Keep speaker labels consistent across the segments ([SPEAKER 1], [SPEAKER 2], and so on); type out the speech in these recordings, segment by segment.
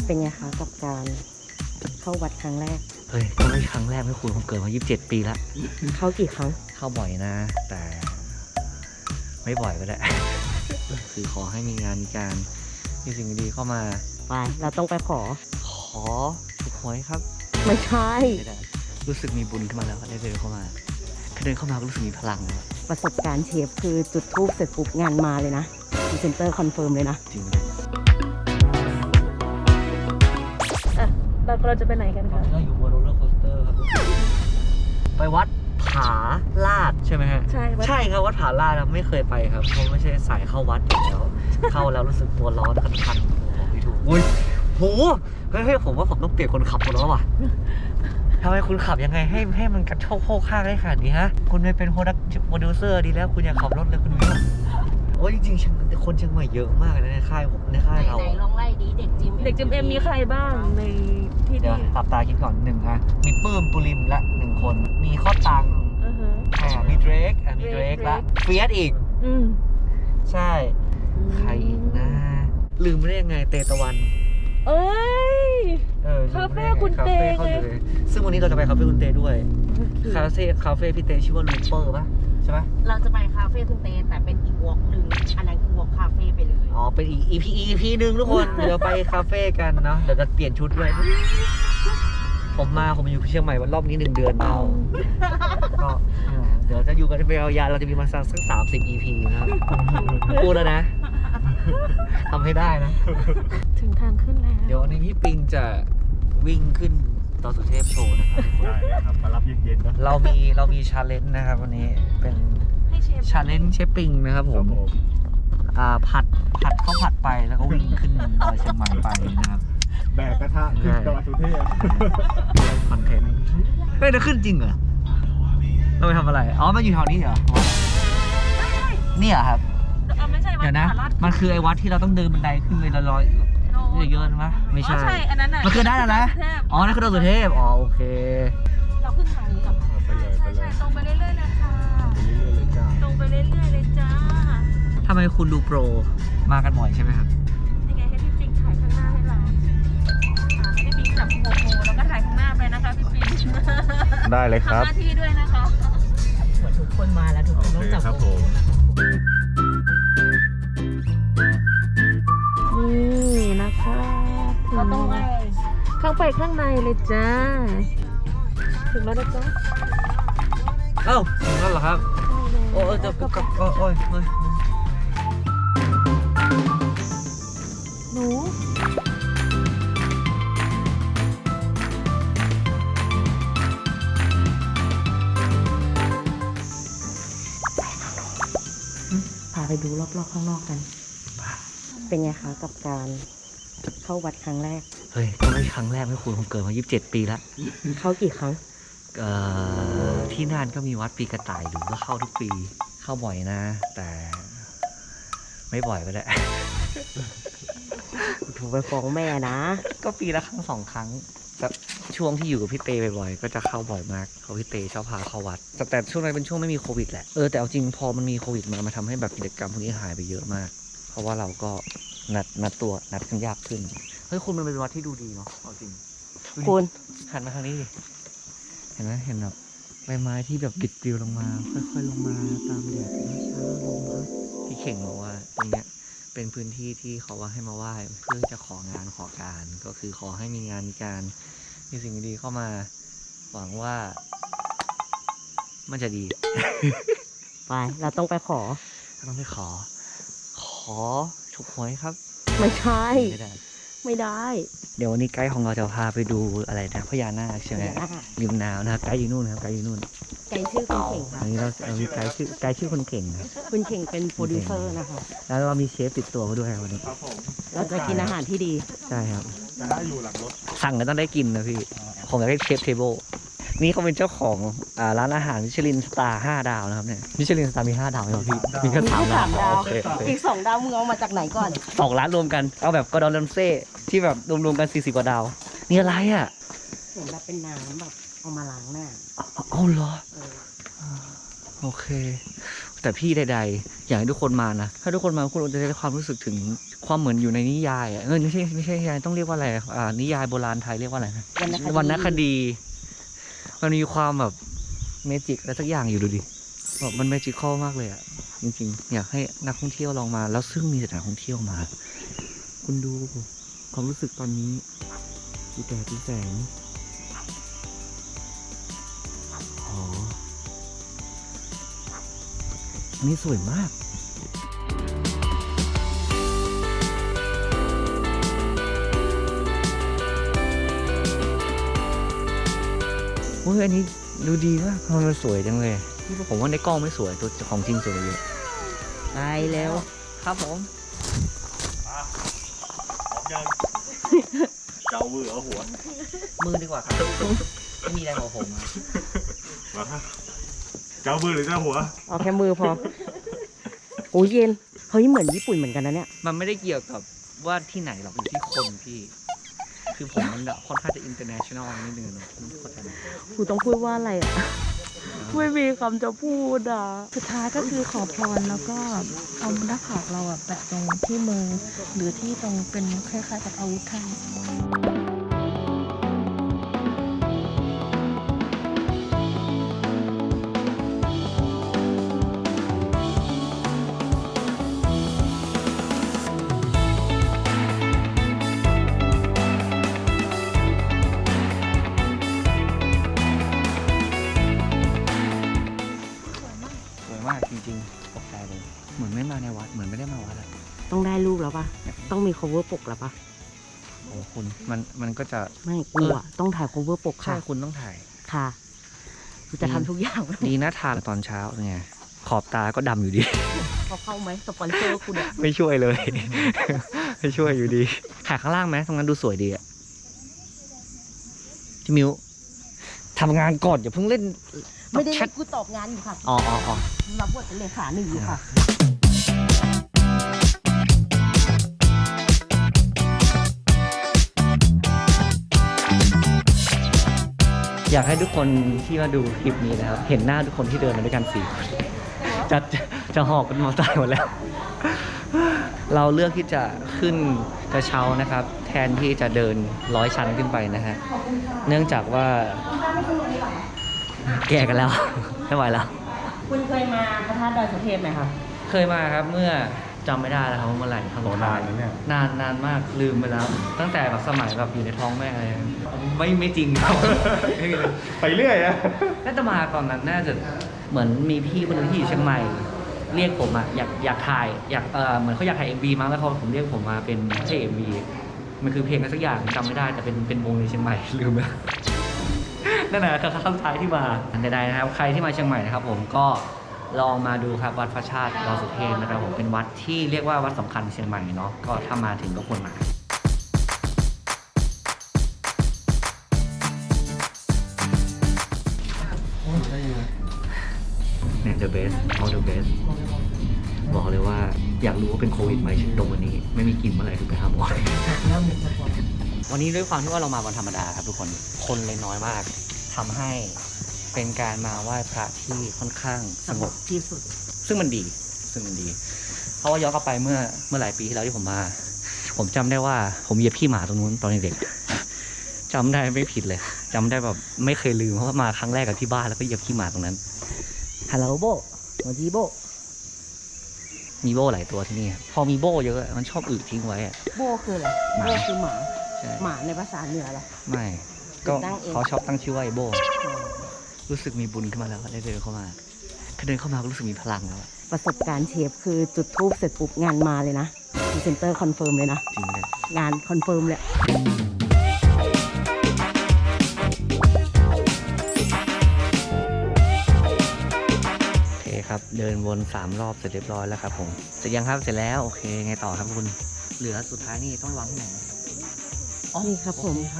[SPEAKER 1] เป็นไงคะกับการเข้าวัดครั้งแรก
[SPEAKER 2] เฮ้ยก็ไม่ครั้งแรกไม่คุณผมเกิดมา27 ปีแล้ว
[SPEAKER 1] เข้ากี่ครั้ง
[SPEAKER 2] เข้าบ่อยนะ แต่ไม่บ่อยก็ได้ คือขอให้มีงานมีการมีสิ่งดีๆเข้ามา
[SPEAKER 1] ไปเราต้องไปขอ
[SPEAKER 2] ขอถูกหวยครับ
[SPEAKER 1] ไม่ใช่
[SPEAKER 2] ไม่ได้รู้สึกมีบุญขึ้นมาแล้วได้เดินเข้ามาแค่เดินเข้ามาก็รู้สึกมีพลังแล้ว
[SPEAKER 1] ประสบการณ์เชฟคือจุดทูบเสร็จปุ๊บงานมาเลยนะพรีเซนเตอร์คอนเฟิร์มเลยนะ
[SPEAKER 2] จริง
[SPEAKER 1] เราจะไปไหนกันคะ
[SPEAKER 2] ก็อยู่บนโรลเลอร์โคสเตอร์ครับไปวัดผาลาดใช่ไหมฮะ
[SPEAKER 1] ใช่
[SPEAKER 2] ใช่ครับวัดผาลาดนะไม่เคยไปครับเพราะไม่ใช่สายเข้าวัดอยู่แล้ว เข้าแล้วรู้สึกตัวร้อนคันๆบอกไม่ถูกอุ้ยโหเฮ้ยผมว่าผมต้องเปลี่ยนคนขับคนแล้วว่ะทำไมคุณขับยังไงให้มันกระโชกโค้งข้างได้ขนาดนี้ฮะคุณไปเป็นโปรดิวเซอร์ดีแล้วคุณอยากขับรถเลยคุณวิวโอ้ยจริงๆคนเชียงใหม่เยอะมากเลยในค่ายผมในค่ายเรา
[SPEAKER 3] ไหนลองไล่ดีเด็กจิม
[SPEAKER 1] เด็กจิมเอ็มมีใครบ้างในที่
[SPEAKER 2] เดี๋ยว
[SPEAKER 1] นี่
[SPEAKER 2] ตับตาคิดก่อนหนึ่งอะมีปื้มปุริมละ1 คนมีข้อตังมีเดรกมีเดรกละเฟียสอีกใช่ใครอีกนะลืมไม่ได้ยังไงเตตะวัน
[SPEAKER 1] เอ้ย
[SPEAKER 2] ลืมไม่ได้
[SPEAKER 1] คาเฟ่คุณเต
[SPEAKER 2] คาฟ่ขาอยู่เลยซึ่งวันนี้เราจะไปคาเฟ่คุณเตด้วยคาเฟ่พี่เตชื่อว่าลูเปอร์ป่ะใช่ไหม
[SPEAKER 3] เราจะไปคาเฟ่คุณเตแต่เป็นอีกวอล์กหนึ่งอันนั้นคือวอล์กคาเฟ่ไปเลย
[SPEAKER 2] อ๋อเป็นอีก EP หนึ่งทุกคน เดี๋ยวไปคาเฟ่กันเนาะเดี๋ยวจะเปลี่ยนชุดด้วยผมอยู่เชียงใหม่วันรอบนี้1 เดือนเอาก็เดี๋ยวจะอยู่กันไปยาวๆเราจะมีมาสัก30 EP นะครับพูดแล้วนะทำให้ได้นะ
[SPEAKER 1] ถึงทางขึ้นแล้ว
[SPEAKER 2] เดี๋ยววันนี้พี่ปิงจะวิ่งขึ้นดอยสุเทพโชว์นะครับ
[SPEAKER 4] ได้เลยครับมารับเย็นๆนะ
[SPEAKER 2] เรามีชาเลนจ์นะครับวันนี้เป็น
[SPEAKER 1] ให้เชฟ
[SPEAKER 2] ชาเลนจ์เชฟปิงนะครับผมผัดข้าวผัดไปแล้วก็วิ่งขึ้นดอยเชียงใหม่ไปนะครับ
[SPEAKER 4] แบกกระทะขึ้นดอยสุเทพ
[SPEAKER 2] คอนเทนต์เฮ้ยจะขึ้นจริงเหรอเราไปทำอะไรอ๋อมันอยู่แถวนี้เหรอนี่เหรอครับ
[SPEAKER 1] ไม่ใช่
[SPEAKER 2] เดี๋ยวนะ มันคือไอ้วัดที่เราต้องเดินบันไดขึ้นไปละร้อยเยอะๆนะไม่ใช่
[SPEAKER 1] ใช่อันนั้นน่ะ
[SPEAKER 2] มันคือด้านอะไรนะอ๋อนั่นคือดอยสุเทพอ๋อโอเค
[SPEAKER 1] เราขึ้นทางนี้ก่อน
[SPEAKER 4] ไปเลยไปเลย
[SPEAKER 1] ตรงไปเรื่อยๆนะคะ
[SPEAKER 4] เรื่อยๆเลยจ้า
[SPEAKER 1] ตรงไปเรื่อยๆเลยจ้า
[SPEAKER 2] ทำไมคุณดูโปรมากันบ่อยใช่ไหมครับ
[SPEAKER 1] ยังไงให้พี่ปิงถ่ายข้างหน้าให้เราให้พี่ปิงจับโมโมแล้วก็ถ่ายข้างหน้าไปนะคะพี่ปิง
[SPEAKER 4] ได้เลยครับ
[SPEAKER 1] ทำหน้าที่ด้วยนะคะเหมือนทุกคนมาแล้วทุกคนต้องจับ
[SPEAKER 4] ครับ
[SPEAKER 1] โม
[SPEAKER 4] ผม
[SPEAKER 1] นี่นะคะเราต้องไปเข้าไปข้างในเลยจ้า ถึงแล้วนะจ๊ะ
[SPEAKER 2] เอ้าถึงแล้วเหรอครับโอ้ยจะกับโอ้ย
[SPEAKER 1] หนูพาไปดูรอบๆข้างนอกกัน เป็นไงคะกับการเข้าวัดครั้งแรก
[SPEAKER 2] เฮ้ยก็ไม่ครั้งแรกไม่คุณผมเกิดมา27 ปีแล้ว
[SPEAKER 1] เข้ากี่ครั้ง
[SPEAKER 2] ที่น่านก็มีวัดปีกระต่ายอยู่ก็เข้าทุกปีเข้าบ่อยนะ แต่ไม่บ่อยก็ได้
[SPEAKER 1] ถูกไปฟ้องแม่นะ
[SPEAKER 2] ก็ปีละครั้ง2 ครั้งแบบช่วงที่อยู่กับพี่เตบ่อยๆก็จะเข้าบ่อยมากเพราะพี่เตชอบพาเข้าวัดแต่ช่วงนั้นเป็นช่วงไม่มีโควิดแหละแต่เอาจริงพอมันมีโควิดมาทำให้แบบกิจกรรมพวกนี้หายไปเยอะมาก เพราะว่าเราก็นัดกันยากขึ้นเฮ้ยคุณมันเป็นวัดที่ดูดีเนาะเอาจริง
[SPEAKER 1] คุณ
[SPEAKER 2] หันมาทางนี้ดิเห็นไหมเห็นแบบใบไม้ที่แบบบิดปลิวลงมาค่อยๆลงมาตามแดดช้าๆลงครับพี่เข่งบอกว่าตรงเนี้ยเป็นพื้นที่ที่เขาว่าให้มาไหว้เพื่อจะของานขอการก็คือขอให้มีงานมีการมีสิ่งดีๆเข้ามาหวังว่ามันจะดี
[SPEAKER 1] ไปเราต้องไปขอ
[SPEAKER 2] ต้องไปขอถูกหวยครับ
[SPEAKER 1] ไม่ใช่
[SPEAKER 2] ไม่ได้
[SPEAKER 1] ไม่ได้
[SPEAKER 2] เดี๋ยววันนี้ไกด์ของเราจะพาไปดูอะไรนะพญานาคใช่ไหมริมน้ำนะครับไกด์อยู่นู่นนะครับไกด์อยู่นู่น
[SPEAKER 1] ไก่ชื่อคุณเข่งค่ะ
[SPEAKER 2] อันนี้เรามีไกด์ชื่อคนเก่งครับ
[SPEAKER 1] คุณเข่งเป็นโปรดิวเซอร์นะคะ
[SPEAKER 2] แล้วเรามีเชฟติดตัวมาด้วยวันนี้
[SPEAKER 4] ครับผม
[SPEAKER 1] เราจะกินอาหารที่ดี
[SPEAKER 2] ใช่ครับ
[SPEAKER 4] จะได้อยู่หลังรถ
[SPEAKER 2] สั่งก็ต้องได้กินนะพี่ผมอยากได้เชฟเทเบิลนี่เขาเป็นเจ้าของร้านอาหารมิชลินสตาร์5 ดาวนะครับเนี่ยมิชลินสตาร์มี5 ดาวไหมครับพี่มีแค่3 ดาว
[SPEAKER 1] 3 ดาว
[SPEAKER 2] โอเค
[SPEAKER 1] อีก 2 ดาวมึงเอามาจากไหนก่อน
[SPEAKER 2] 2 ร้านรวมกันเอาแบบกอร์ดอนแรมเซ่ที่แบบรวมๆกัน40 กว่าดาวนี่อะไรอ่ะ
[SPEAKER 1] เหมือนแบบเป็นน้ำแบบเอามาล้างหน้า
[SPEAKER 2] เอาเหรอ
[SPEAKER 1] เออ
[SPEAKER 2] โอเค แต่พี่ใดๆอยากให้ทุกคนมานะถ้าทุกคนมาคุณจะได้ความรู้สึกถึงความเหมือนอยู่ในนิยายอ่ะไม่ใช่นิยายต้องเรียกว่าอะไรนิยายโบราณไทยเรียกว่าอะไรนะวรรณคดีมันมีความแบบเมจิกอะไรสักอย่างอยู่ดูดิแบบมันเมจิคอลมากเลยอ่ะจริงๆอยากให้นักท่องเที่ยวลองมาแล้วซึ่งมีแต่นักท่องเที่ยวมา คุณดูความรู้สึกตอนนี้ดูแดดดูแสงอ๋ออันนี้สวยมากโอ้ยอันนี้ดูดีมากมันสวยจังเลยผมว่าในกล้องไม่สวยตัวของจริงสวยเยอะ
[SPEAKER 3] ไปแล้ว
[SPEAKER 2] ครับผม
[SPEAKER 4] เจ้ามือเอาหัว
[SPEAKER 2] มือดีกว่าครับไม่มีอะไรของผมอะ
[SPEAKER 4] มาเจ้ามือหรือเจ้าหัว
[SPEAKER 3] เอาแค่มือพอโอ้ยเย็นเฮ้ยเหมือนญี่ปุ่นเหมือนกันนะเนี่ย
[SPEAKER 2] มันไม่ได้เกี่ยวกับว่าที่ไหนหรอกอยู่ที่คนพี่ คือผมมันค่อนข้างจะ international นิดนึงเนอะเข้าใจไหม
[SPEAKER 3] กูต้องพูดว่าอะไรอ่ะ ไม่มีคำจะพูดอ่ะ
[SPEAKER 1] สุดท้ายก็คือขอพรแล้วก็เอาหน้าผากเราอะแปะตรงที่มือ หรือที่ตรงเป็นคล้ายๆกับอาวุธไทย
[SPEAKER 2] สวยมากจริงๆตกใจเลยเหมือนไม่มาในวัดเหมือนไม่ได้มาวัดอะ
[SPEAKER 3] ต้องได้รูปแล้วปะต้องมี cover ปกแล้วปะ
[SPEAKER 2] โอ้คุณมันก็จะ
[SPEAKER 3] ไม่กูอ่ะต้องถ่าย cover ปก
[SPEAKER 2] ใช่
[SPEAKER 3] ค่ะ
[SPEAKER 2] คุณต้องถ่าย
[SPEAKER 3] ค่ะกูจะทำทุกอย่าง
[SPEAKER 2] ดีนะทานตอนเช้าไงขอบตาก็ดำอยู่ดี
[SPEAKER 3] เขาเข้าไหมสปอนเซอร์คุณเนี่ย
[SPEAKER 2] ไม่ช่วยเลย ไม่ช่วยอยู่ดีถ่ายข้างล่างไหมตรงนั้นดูสวยดีอะพี่มิวทำงานก่อนอย่าเพิ่งเล่น
[SPEAKER 3] ไม่ได้
[SPEAKER 2] แชท
[SPEAKER 3] กูตอบงานอยู่ค่ะ
[SPEAKER 2] อ๋อ
[SPEAKER 3] รับบทเป็นเลขาหนึ่งอยู่ค่ะ
[SPEAKER 2] อยากให้ทุกคนที่มาดูคลิปนี้นะครับ เห็นหน้าทุกคนที่เดินมาด้วยกัน4 คนจะหอบกันมาตายหมดแล้ว เราเลือกที่จะขึ้นกระเช้านะครับ แทนที่จะเดิน100 ชั้นขึ้นไปนะฮะเนื่องจากว่า แก่กันแล้ว ไม่ไหวแล้ว
[SPEAKER 3] คุณเคยมาพระธาตุดอยสุเทพไหมคะ
[SPEAKER 2] เคยมาครับเมื่อจำไม่ได้แล้วครับว่าเมื่อไหร่ครั้งสุดท้าย
[SPEAKER 4] โอ้นานแล้วเนี่ย
[SPEAKER 2] นานมากลืมไปแล้ว ตั้งแต่แบบสมัยแบบอยู่ในท้องแม่อะไรไม่จริงครับ ไม่มีเลย
[SPEAKER 4] ไปเรื่อยอะ
[SPEAKER 2] น่าจะมาตอนนั้นน่าจะเหมือนมีพี่คนหนึงที่อยู่เชียงใหม่ เรียกผมอะอยากถ่ายเหมือนเขาอยากถ่าย MV มั้งแล้วผมเรียกผมมาเป็นไม่ใช่ MV มันคือเพลงอะไรสักอย่างจำไม่ได้แต่เป็นวงในเชียงใหม่ ลืมแล้ว นั่นแหละคือครั้งสุดท้ายที่มาอันใดๆนะครับใครที่มาเชียงใหม่นะครับผมก็ลองมาดูครับวัดพระชาติดอยสุเทพนะครับผมเป็นวัดที่เรียกว่าวัดสำคัญในเชียงใหม่เนาะก็ถ้ามาถึงก็ควรมาเนี่ย the best all the best บอกเลยว่าอยากรู้ว่าเป็นโควิดไหมตรงวันนี้ไม่มีกลิ่นเมื่อไหร่ถึงไปหาหมอ วันนี้ด้วยความที่ว่าเรามาวันธรรมดาครับทุกคนเลยน้อยมากทำให้เป็นการมาไหว้พระที่ค่อนข้างสงบ
[SPEAKER 3] ที่สุด
[SPEAKER 2] ซึ่งมันดี เพราะว่าย้อนกลับไปเมื่อหลายปีที่แล้วที่ผมมา ผมจำได้ว่าผมเหยียบขี้หมาตรงนู้นตอนเด็กๆจำได้ไม่ผิดเลยจำได้แบบไม่เคยลืมเพราะว่ามาครั้งแรกกับที่บ้านแล้วก็เหยียบขี้หมาตรงนั้น
[SPEAKER 3] ฮัลโหลโบสวัสดีโบ
[SPEAKER 2] มีโบ้หลายตัวที่นี่ครับพอมีโบ้เยอะมันชอบอึทิ้งไว้อะ
[SPEAKER 3] โบคืออะไร
[SPEAKER 2] หมา
[SPEAKER 3] โบคือหมา
[SPEAKER 2] ใช่
[SPEAKER 3] หมาในภาษาเหนือเหรอ
[SPEAKER 2] ไม่ก็
[SPEAKER 3] ตั้งเอง
[SPEAKER 2] เขาชอบตั้งชื่อว่าไอ้โบ้รู้สึกมีบุญขึ้นมาแล้วได้เดินเข้ามาเดินเข้ามาก็รู้สึกมีพลังแล้วอะ
[SPEAKER 3] ประสบการณ์เชฟคือจุดทูบเสร็จปุ๊บงานมาเลยนะพรีเซนเตอร์คอนเฟิร์มเลยนะ
[SPEAKER 2] จริงเลย
[SPEAKER 3] งานคอนเฟิร์มเลย
[SPEAKER 2] โอเคครับเดินวน3 รอบเสร็จเรียบร้อยแล้วครับผมเสร็จยังครับเสร็จแล้วโอเคไงต่อครับคุณเหลือสุดท้ายนี่ต้องวางที่ไหนอ๋อ
[SPEAKER 3] นี่ครับผม
[SPEAKER 2] โอเคครับ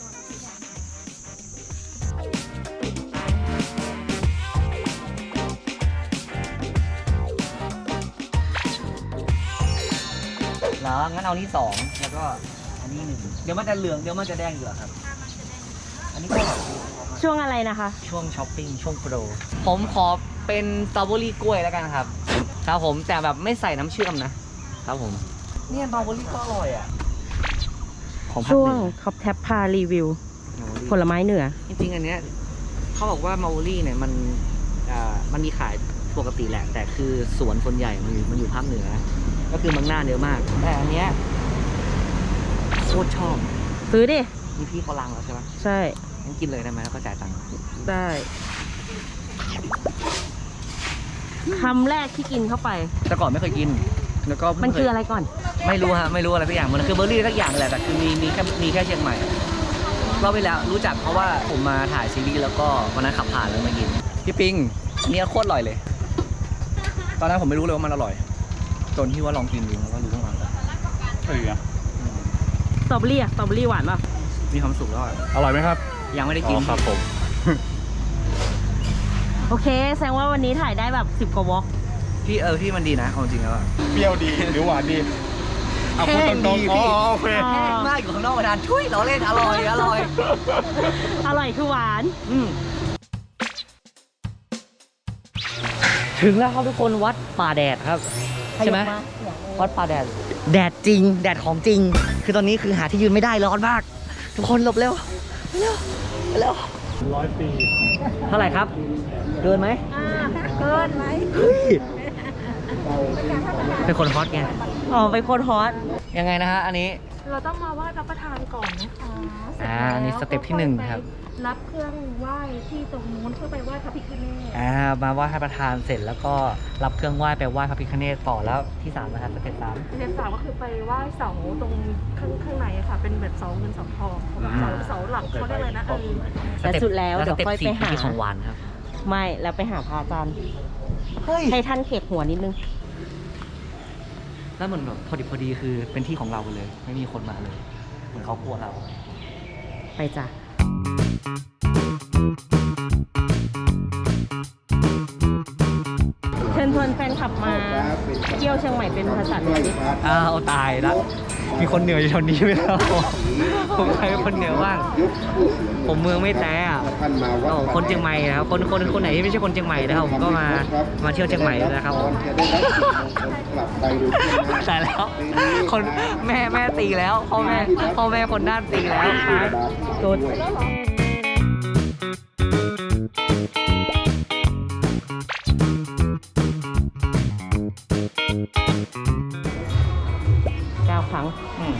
[SPEAKER 2] แล้วงั้นเอานี่2แล้วก็อันนี้1เดี๋ยวมันจะเหลืองเดี๋ยวมันจะแดงอยู่อะครับ อันนี้ก็
[SPEAKER 3] ช่วงอะไรนะคะ
[SPEAKER 2] ช่วงช้อปปิ้งช่วงโปรผมขอเป็นสตรอเบอรี่กล้วยแล้วกันครับครับผมแต่แบบไม่ใส่น้ำเชื่อมนะครับผมเนี่ยเมาเบอรี่ก็อร่อยอ่ะของภาค
[SPEAKER 3] ช่ว
[SPEAKER 2] เห
[SPEAKER 3] ง
[SPEAKER 2] นือ
[SPEAKER 3] ท็อปแท็บพารีวิว ผลไม้เหนือ
[SPEAKER 2] จริงๆอันเนี้ยเขาบอกว่าเมาเบอรี่เนี่ยมันมีขายปกติแหละแต่คือสวนคนใหญ่มันอยู่ภาคเหนือ ก็คือเมืองน่านเยอะมากแต่อันเนี้ยโคตรชอบ
[SPEAKER 3] ซื้อดิ
[SPEAKER 2] นี่พี่เขาลังแล้วใช่ไหม
[SPEAKER 3] ใช่
[SPEAKER 2] งั้นกินเลยได้ไหมแล้วก็จ่ายตังค์
[SPEAKER 3] ได้คำแรกที่กินเข้าไป
[SPEAKER 2] แต่ก่อนไม่เคยกินแล้วก็เพิ่ง
[SPEAKER 3] มัน
[SPEAKER 2] เค
[SPEAKER 3] คื
[SPEAKER 2] ย
[SPEAKER 3] ออะไรก่อน
[SPEAKER 2] ไม่รู้ฮะไม่รู้อะไรสักอย่างมันคือเบอร์รี่สักอย่างแหละแต่คือมีแค่เชียงใหม่รอบไปแล้วรู้จักเพราะว่าผมมาถ่ายซีรีส์แล้วก็วันนั้นขับผ่านแล้วมากินพี่ปิงอันนี้โคตรอร่อยเลย ตอนนั้นผมไม่รู้เลยว่ามันอร่อยจนที่ว่าลองกินดูแล้วก็รู้ว่ามันอร่อย
[SPEAKER 4] เฮ้ยอะ
[SPEAKER 3] สตรอเบอรี่อะสตรอเบอรี่หวานป่ะ
[SPEAKER 2] มีความสุขแล้วอะ
[SPEAKER 4] อร่อยไหมครับ
[SPEAKER 2] ยังไม่ได้
[SPEAKER 4] อ๋
[SPEAKER 2] กิน
[SPEAKER 4] อครับผม
[SPEAKER 3] โอเค แสดงว่าวันนี้ถ่ายได้แบบ10กว่าวอล์ก
[SPEAKER 2] พี่มันดีนะเอาจริงแล้วอะ
[SPEAKER 4] เปรี้ยวดีหรือหวานดีเอาพูดตรงๆอ๋อโอเค
[SPEAKER 2] แห้งมากอยู่ข้างนอกประดานช่วยเราเล่นอร่อยอร่อย
[SPEAKER 3] อร่อยคือหวาน
[SPEAKER 2] ถึงแล้วครับทุกคนวัดป่าแดดครับใช่ไหมวัดป่าแดดแดดจริงแดดของจริง คือตอนนี้คือหาที่ยืนไม่ได้ร้อนมาก ทุกคนหลบเร็วเร็วเร็ว
[SPEAKER 4] 100 ปี
[SPEAKER 2] เท่าไหร่ครับ เกินไหม
[SPEAKER 3] เกินไหม
[SPEAKER 2] เฮ้ยเป็นคนฮอตไง
[SPEAKER 3] อ๋อเป็นคนฮอต
[SPEAKER 2] ยังไงนะฮะอันนี้
[SPEAKER 1] เราต้องมาไหว้พระประธานก่อนนะคะเสร็จ
[SPEAKER 2] อันนี้สเต็ปที่หนึ่งครับ
[SPEAKER 1] รับเครื่องไหว้ที่ตรงนู้นเพื่อไปไหว้พระพิฆเนศ
[SPEAKER 2] มาไหว้พระประธานเสร็จแล้วก็รับเครื่องไหว้ไปไหว้พระพิฆเนศต่อแล้วที่3นะครับสเต็ป3
[SPEAKER 1] สเต็ป3ก็คือไปไหว้เสาตรงข้างในอะค่ะ เป็นแบบเสาเงินเสาทองเสาหลักเขาเรียกอะไรนะ
[SPEAKER 3] และสุดแล้ว
[SPEAKER 2] ส
[SPEAKER 3] เดี๋ยว
[SPEAKER 2] เต็ป
[SPEAKER 3] ค่อยไปหา
[SPEAKER 2] 4ของหวานครับ
[SPEAKER 3] ไม่แล้วไปหาพระอาจารย์
[SPEAKER 2] เฮ้ย
[SPEAKER 3] ให้ท่านเขกหัวนิดนึง
[SPEAKER 2] แล้วเหมือนแบบพอดีคือเป็นที่ของเราเลย ไม่มีคนมาเลย เหมือนเขากลัวเรา
[SPEAKER 3] ไปจ้ะเชิญชวนแฟนคลับมาเที่ยวเชียงใหม่เป็นภาษาเหนือดิ
[SPEAKER 2] อ้าวตายแล้วมีคนเหนืออยู่แถวนี้ไหมครับผมใครเป็นคนเหนือบ้างผมเมืองไม่แต่อะคนเชียงใหม่นะครับคนไหนที่ไม่ใช่คนเชียงใหม่นะครับผมก็มาเที่ยวเชียงใหม่นะครับผมแต่แล้วคนแม่ตีแล้วพ่อแม่คนด้านตีแล้วโดน
[SPEAKER 3] 9 ครั้ง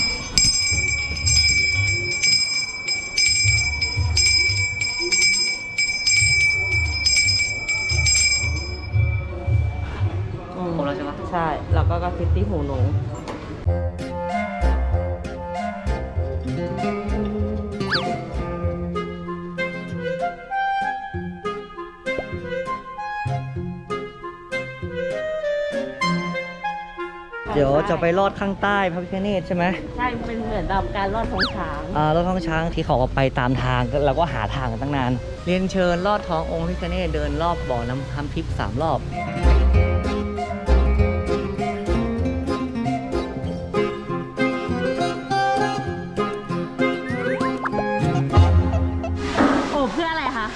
[SPEAKER 2] ครบแล้วใช่ปะ
[SPEAKER 3] ใช่ แล้วก็กระซิบที่หูหนู
[SPEAKER 2] เดี๋ยวจะไปลอดข้างใต้พระพิฆเนศใช่ไหม
[SPEAKER 3] ใช่ เป็นเหมือนแบบการลอดท้องช้าง
[SPEAKER 2] ลอดท้องช้างที่เขาเอาไปตามทางเราก็หาทางกันตั้งนาน เรียนเชิญลอดท้ององค์พระพิฆเนศเดินรอบบ่อน้ำทิพย์3 รอบ
[SPEAKER 3] โอ้เพื่ออะไรคะ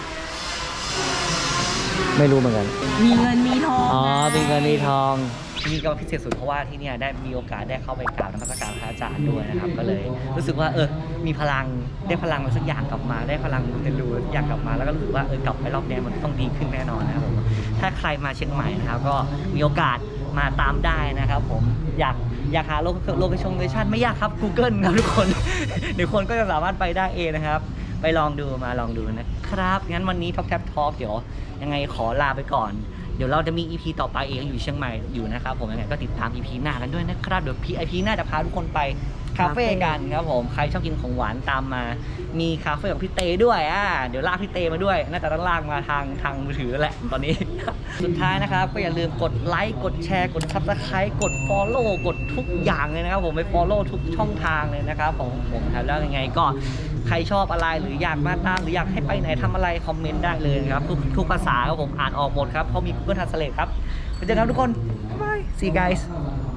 [SPEAKER 2] ไม่รู้เหมือนกัน
[SPEAKER 3] มีเงินมีทอง
[SPEAKER 2] อ๋อเป็นเงินมีทองนี่ก็พิเศษสุดเพราะว่าที่เนี่ยได้มีโอกาสได้เข้าไปกราบนมัสการพระอาจารย์ด้วยนะครับ ก็เลยรู้สึกว่ามีพลังได้พลังอะไรสักอย่างกลับมาได้พลังมูเตลูสักอย่างกลับมาแล้วก็รู้สึกว่ากลับไปรอบนี้มันต้องดีขึ้นแน่นอนนะครับผมถ้าใครมาเชียงใหม่นะครับก็มีโอกาสมาตามได้นะครับผมอยากหาโลเคชั่นไม่ยากครับ Google ครับทุกคน เดี๋ยวคนก็จะสามารถไปได้เองนะครับไปลองดูนะครับงั้นวันนี้ท็อปแท็บทอล์กเดี๋ยวยังไงขอลาไปก่อนเดี๋ยวเราจะมี EP ต่อไปเองอยู่เชียงใหม่อยู่นะครับผมยังไงก็ติดตาม EP หน้ากันด้วยนะครับเดี๋ยว EP หน้าจะพาทุกคนไปคาเฟ่กันครับผมใครชอบกินของหวานตามมามีคาเฟ่ของพี่เตด้วยเดี๋ยวลากพี่เตมาด้วยน่าจะต้องลากมาทางมือถือแหละตอนนี้ สุดท้ายนะครับก็อย่าลืมกดไลค์กดแชร์กด Subscribe กด Follow กดทุกอย่างเลยนะครับผมไป Follow ทุกช่องทางเลยนะครับผมครับแล้วยังไงก็ใครชอบอะไรหรืออยากมาตามหรืออยากให้ไปไหนทำอะไรคอมเมนต์ได้เลยนะครับทุกภาษาครับผมอ่านออกหมดครับเพราะมี Google Translate ครับไปเจอกันครับทุกคน บ๊ายบาย see you guys